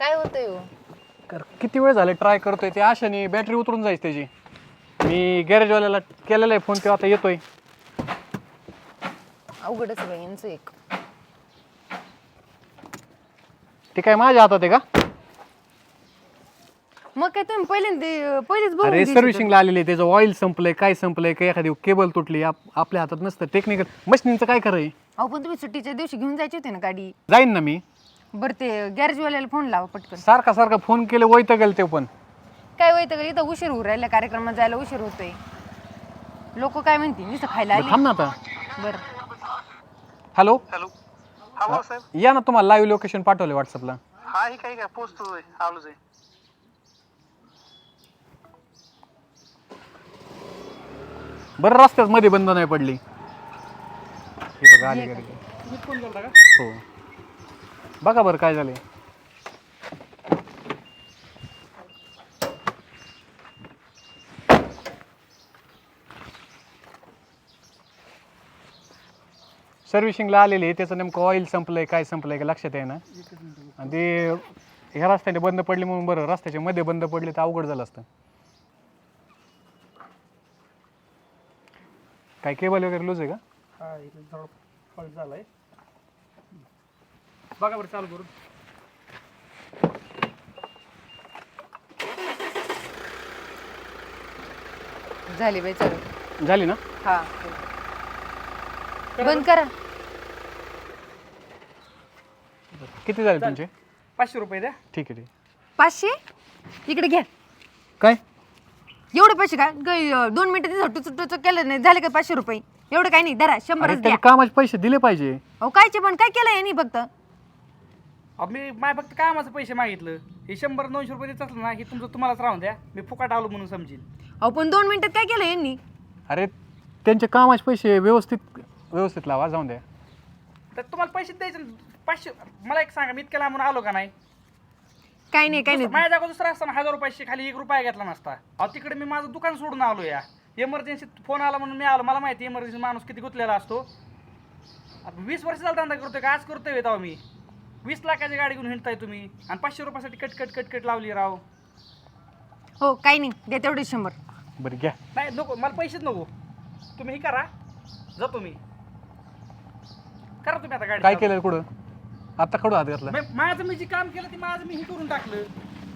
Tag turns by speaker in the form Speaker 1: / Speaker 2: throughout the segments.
Speaker 1: काय होतंय हो?
Speaker 2: किती वेळ झाले ट्राय करतोय ते आशाने बॅटरी उतरून जायची त्याची. मी गॅरेजवाल्याला केलेला आहे फोन, ते आता येतोय.
Speaker 1: अवघडच आहे बाई यांचं एक.
Speaker 2: ते काय माझ्या हातात आहे का?
Speaker 1: मग काय तुम्ही पहिलेच बघून
Speaker 2: अरे
Speaker 1: देऊ शकता.
Speaker 2: सर्व्हिसिंगला आलेले आहे, त्याचं ऑइल संपलंय, काय संपलंय, काय एखादी केबल तुटली, आपल्या हातात नसतं. टेक्निकल मशीनचं काय करायचं?
Speaker 1: अहो पण तुम्ही सुट्टीच्या दिवशी घेऊन जायची होती ना गाडी.
Speaker 2: जाईन ना मी.
Speaker 1: बरं ते गॅरेजवाल्याला फोन लावा पटकन.
Speaker 2: सारखा फोन केले वैताग गेलं ते पण.
Speaker 1: काय होतं का इथं उशीर होऊ राहिला, कार्यक्रमात जायला उशीर होतोय. लोक काय म्हणतील नुसतं खायला आली.
Speaker 2: थांब ना आता.
Speaker 1: बरं
Speaker 2: हॅलो
Speaker 3: हॅलो. हा बोला साहेब.
Speaker 2: या ना, तुम्हाला लाईव्ह लोकेशन पाठवले व्हॉट्सअपला.
Speaker 3: हा हे काय पोचतोय आलोच आहे.
Speaker 2: बरं रस्त्यात मध्ये बंद नाही पडली. हे बघा आली गाडी. हो बघा बरं काय झालंय. सर्व्हिसिंगला आलेली आहे, त्याचं नेमकं ऑइल संपलंय, काय संपलंय का लक्षात आहे ना. आणि ते ह्या रस्त्याने बंद पडली म्हणून बरं, रस्त्याच्या मध्ये बंद पडले तर अवघड झालं असतं. काय केबल वगैरे लूज आहे का?
Speaker 3: हा इथे थोडा फॉल्ट झालाय. बघा बरं चालू करून.
Speaker 1: झाली बाई चालू.
Speaker 2: झाली ना?
Speaker 1: हा बंद करा.
Speaker 2: किती झाले तुमचे?
Speaker 3: 500 रुपये द्या.
Speaker 2: ठीक आहे.
Speaker 1: 500 इकडे घ्या.
Speaker 2: काय
Speaker 1: एवढे पैसे काय 2 मिनिटं टुचू केलं नाही झाले का 500 रुपये? एवढं काय नाही, धरा 100च द्या.
Speaker 2: त्याने कामाचे पैसे दिले पाहिजे.
Speaker 1: अहो कायचे पण काय केलं यांनी फक्त?
Speaker 3: अहो मी माय फक्त कामाचं पैसे मागितलं. हे 100-200 रुपये देत असलं ना, हे तुमचं तुम्हालाच राहून द्या. मी फुकाट आलो म्हणून समजेल.
Speaker 1: अहो पण 2 मिनिटात काय केलं यांनी?
Speaker 2: अरे त्यांचे कामाचे पैसे व्यवस्थित लावा, जाऊन द्या.
Speaker 3: तर तुम्हाला पैसे द्यायचे ना. 500 मला एक सांगा, मी इतक्या लांबून आलो का नाही?
Speaker 1: काय नाही काय नाही.
Speaker 3: माझ्या जागा दुसरा असताना 1000 रुपयाशी खाली 1 रुपया घेतला नसता. अहो तिकडे मी माझं दुकान सोडून आलो या. इमर्जन्सी फोन आला म्हणून मी आलो. मला माहिती इमर्जन्सी माणूस किती गुंतलेला असतो. 20 वर्ष झाला धंदा करतोय का आज करतोय तेव्हा मी. 20 लाखाची गाडी घेऊन हिंडताय तुम्ही आणि 500 रुपयासाठी कट लावली राव.
Speaker 1: हो काही नाही, द्या तेवढे 100.
Speaker 2: बरं घ्या.
Speaker 3: नाही नको, मला पैसेच नको. तुम्ही हे करा, जातो मी. करा तुम्ही आता गाडी
Speaker 2: काय
Speaker 3: चालू.
Speaker 2: केलं कुठं? आता कडू हात घातला.
Speaker 3: माझं मी जे काम केलं ते माझं मी हे करून टाकलं.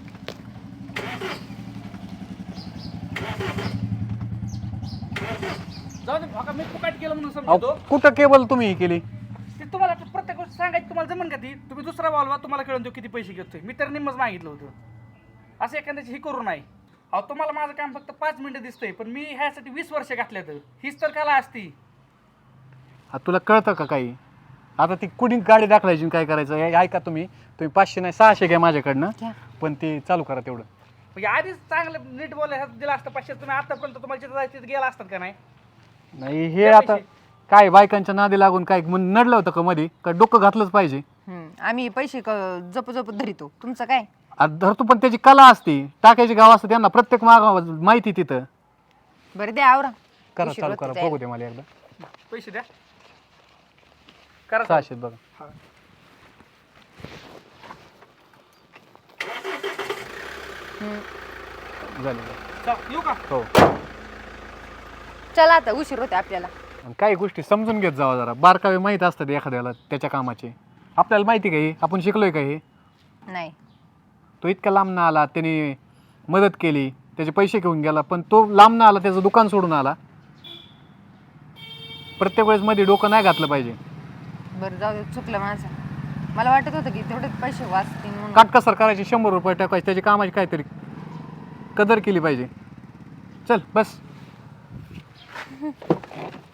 Speaker 3: जाऊ दे, बघा मी फुकाट केलं म्हणून समजतो.
Speaker 2: कुठं केबल तुम्ही केली?
Speaker 3: ते तुम्हाला प्रत्येक गोष्ट सांगायची तुम्हाला जमन का ती? तुम्ही दुसरा बोलवा, तुम्हाला कळून देऊ किती पैसे घेतोय. मी तर निम्मच मागितलं होतं. असं एखाद्याची ही करू नाही. अहो तुम्हाला माझं काम फक्त 5 मिनिटं दिसतंय, पण मी ह्यासाठी 20 वर्ष घातल्यात. हीच तर कला असती.
Speaker 2: तुला कळतं का काही? आता ती कुणी गाडी दाखवायची काय करायचं हे ऐका. तुम्ही 500 नाही 600 घ्या माझ्याकडनं, पण ते चालू करा तेवढं.
Speaker 3: म्हणजे आधीच चांगलं नीट बोलायला दिलं असतं 500. तुम्ही आतापर्यंत तुम्हाला जिथं जायचं तिथं गेला असतात का नाही?
Speaker 2: नाही हे आता काय बायकांच्या नादी लागून काय नडलं होतं का मध्ये? का डोकं घातलंच पाहिजे?
Speaker 1: आम्ही पैसे जप धरितो, तुमचं काय?
Speaker 2: आता धरतो, पण त्याची कला असते, टाकायची गाव असते त्यांना, प्रत्येक माहिती तिथं.
Speaker 1: बरं द्या आवरा.
Speaker 2: करा चालू करा, बघू दे मला एकदा.
Speaker 3: पैसे द्या. करा
Speaker 2: 600 बघा. झाले.
Speaker 3: चल येऊ का?
Speaker 2: हो.
Speaker 1: चला आता उशीर होते आपल्याला.
Speaker 2: आणि काही गोष्टी समजून घेत जावा जरा. बारकावे माहीत असतात एखाद्याला त्याच्या कामाचे. आपल्याला माहिती का हे? आपण शिकलोय का हे?
Speaker 1: नाही.
Speaker 2: तो इतका लांब ना आला, त्याने मदत केली, त्याचे पैसे घेऊन गेला, पण तो लांब ना आला, त्याचं दुकान सोडून आला. प्रत्येक वेळेस मध्ये डोकं नाही घातलं पाहिजे.
Speaker 1: बरं जाऊ दे, चुकलं माझं. मला वाटत होतं की तेवढेच पैसे वाचतील म्हणून.
Speaker 2: काटकसर करायची, 100 रुपये टाकायचे, त्याची कामाची काहीतरी कदर केली पाहिजे. चल बस.